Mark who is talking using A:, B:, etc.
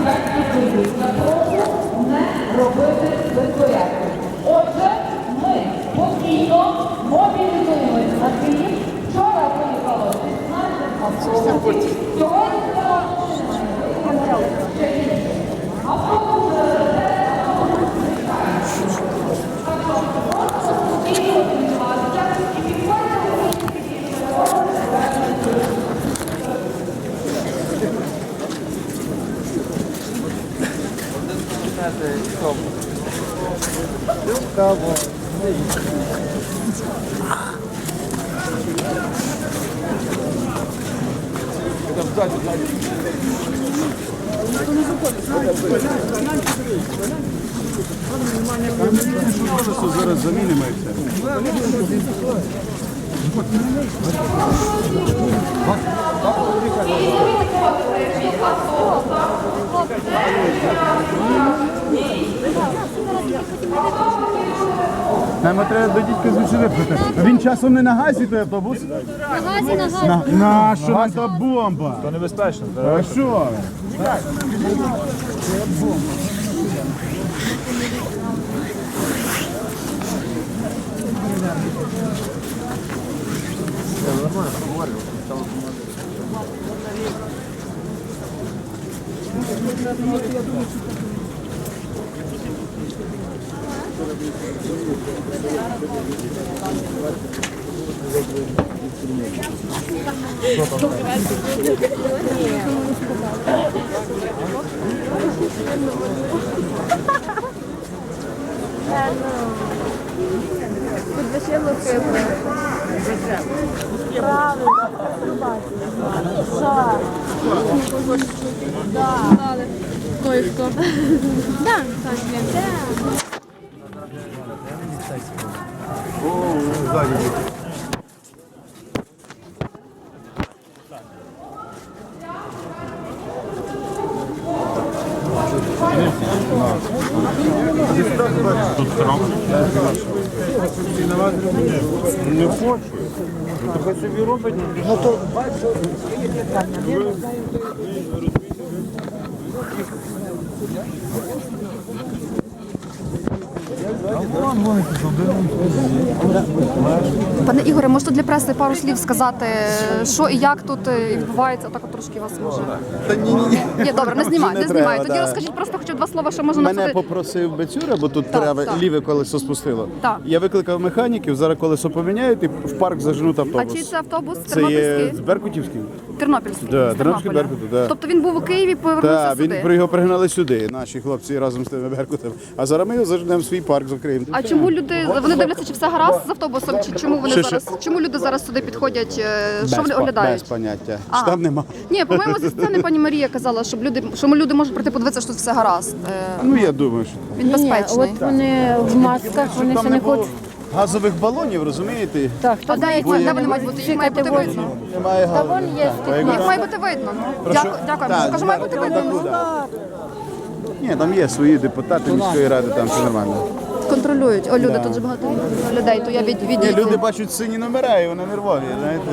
A: на пробу не робити безпорядку. Отже, ми постійно мобілізуємося на Київ. Вчора виїхало 16 автобусів. Сьогодні
B: зараз замінимо і все. Нам треба до дідька звідси випхати. А він часом не на газі, той автобус?
C: На газі.
B: На що нам та бомба?
D: То небезпечно.
B: А що?
C: Койко. Да,
B: О, ззаді.
D: Не хочу. То хай собі робить. Ну то
E: Пане Ігоре, можете для преси пару слів сказати, що і як тут відбувається? Отак от трошки вас може.
B: Та ні.
E: Ні, добре, не знімай, не
B: треба,
E: знімай. Тоді
B: да.
E: розкажіть просто хоча б два слова, що можна
B: Мене
E: написати.
B: попросив Бецюра, бо тут
E: Так,
B: треба
E: так.
B: ліве колесо спустило.
E: Так.
B: Я викликав механіків, зараз колесо поміняють і в парк заженуть
E: А
B: автобус.
E: чий це автобус?
B: Це є
E: Тернопільський?
B: з Беркутівський.
E: Тернопільський.
B: Да,
E: з
B: Тернопільський
E: Тернополя.
B: Беркут, да.
E: Тобто він був у Києві, повернувся
B: Так,
E: сюди.
B: він його пригнали сюди, наші хлопці разом з тими Беркутами. А зараз ми його заженемо в свій парк, закриємо.
E: А чому люди, вони дивляться, чи все гаразд з автобусом, чи чому вони
B: Що?
E: зараз, чому люди зараз сюди підходять, що вони
B: Без
E: оглядають?
B: поняття.
E: А.
B: Що там нема.
E: Ні, по-моєму, зі сцени пані Марія казала, що люди можуть прийти подивитися, що тут все гаразд.
B: Ну, я думаю, що так.
E: Він безпечний.
C: От вони в масках, вони
B: Там
C: ще
B: не
C: не
B: було
C: хочуть.
B: газових балонів, розумієте?
C: Так, хто
E: А де вони мають бути? Їх має бути видно.
B: Немає
C: Та
B: газу.
C: вон є
E: Їх має бути видно. Дякую.
B: Так,
E: Кажу, має бути видно.
B: Ні, там є свої депутати міської ради, там все нормально.
E: Контролюють. О, люди, тут же багато людей, то я
B: Ні,
E: відійду.
B: люди бачать сині номера і вони нервові, знаєте.